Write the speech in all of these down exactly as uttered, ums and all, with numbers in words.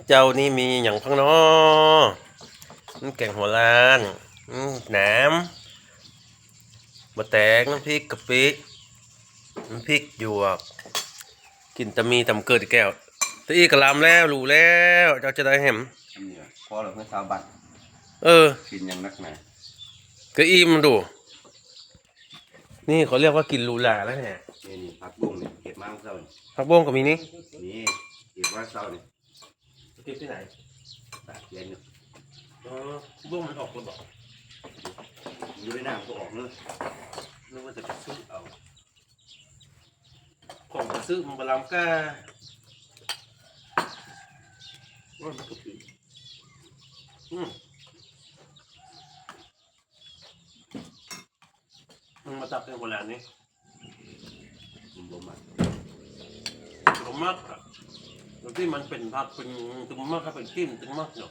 เจ้านี่มีอย่างพังเนาะน้ำแกงหัวล้านแหนมบะแตงน้ำพริกกะปิน้ำพริกหยวกกินตะมีตำเกิดแก้วตะอีกระลำแล้วรู้แล้วเจ้าจะได้เห็มพอเราเพื่อชาวบัตรเออกินยังนักหนาก็อิ่มดูนี่เขาเรียกว่ากินลูลาแล้วเนี่ยนี่นี่ผักบุ้งเนี่ยเก็บมาเศร้าผักบ้งก็มีนี่นี่เก็บมาเศร้านี่เก็บที่ไหนตากเย็นเนี่ยอ๋อบ้งมันออกคนบอกอยู่ในน้ำก็ออกเนอะนึกว่าจะไปซื้อเอาของไปซื้อมันบลามก้าว่ามันก็ผิดอืมมันมาตับเป็นโบราณนี่มันบ่มากตึงมากอะแล้วที่มันเป็นผักเป็นตึงมากก็เป็นกิ้มตึงมากเนาะ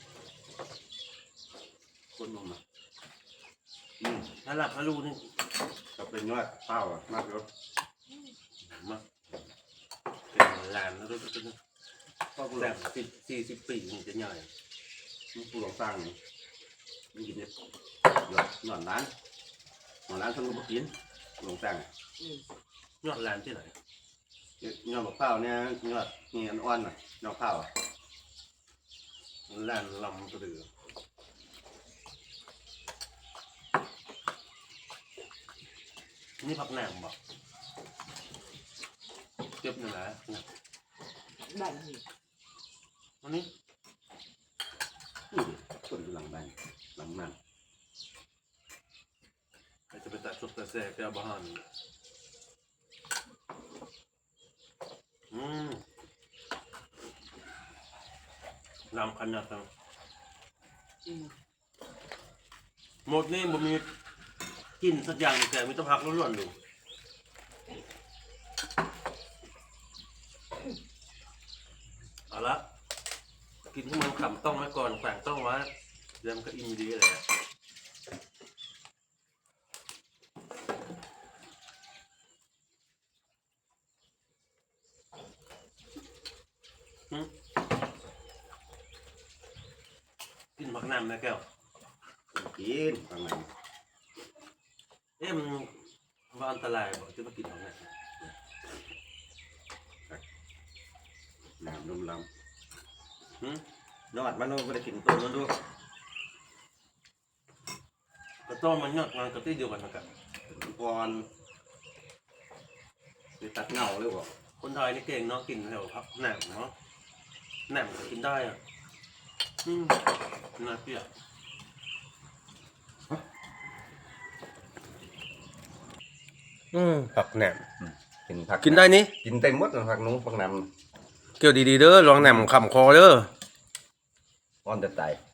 คนบ่มากอืมถ้าหลับถ้ารู้นี่ก็เป็นยอดเป้าอ่ะมากเลยมากเป็นหลานแล้วด้วยกันก็แรงสิบสี่สิบปีมันจะใหญ่มันผู้หลงสร้างนี่มันกินเนี่ยหยอดหยอดร้านหยอดร้านทั้งลูกกินหลงสร้างยอดหลานที่ไหนยอดมะพร้าวเนี่ยยอดนี่อันอ่อนน่ะยอดข้าวอ่ะหลานลำกระเดือนี่ผักแหนมบอกเจ็บหนึ่งนะบ้านนี่อันนี้นี่คนหลังบ้านหลังมันจะไปตัดชุดกระแสแก้วบ้านอืมลำขนาดนั้นหมดนี่มันมีกินสักอย่างแต่ไม่ต้องพักล้วนๆดูเอาละกินที่มันขำต้องไว้ก่อนแฝงต้องไว้เดี๋ยวมันก็อิ่มดีเลยกินผักน้ำนะแก้วกินฟังมันเอ๊ะมันว่าอันตรายบอกจะมากินผักน้ำน้ำนมลำนอดมันไม่ได้กินตัวมันด้วยกระต้มมันยอดงานกระตี้เดียวกันนะครับก่อนไปตัดเงาเลยบอกคนไทยนี่เก่งเนาะกินแถวพักแหนมเนาะแหนมก็กินได้อ่ะอืมน่าเปรี้ยวอืมผักแหนมกินผักกินได้นี่กินเต็มหมดเลยผักนู้นผักน้ำเกี่ยวดีๆเด้อลองแหนมขำคอเด้ออ่อนแต่ตาย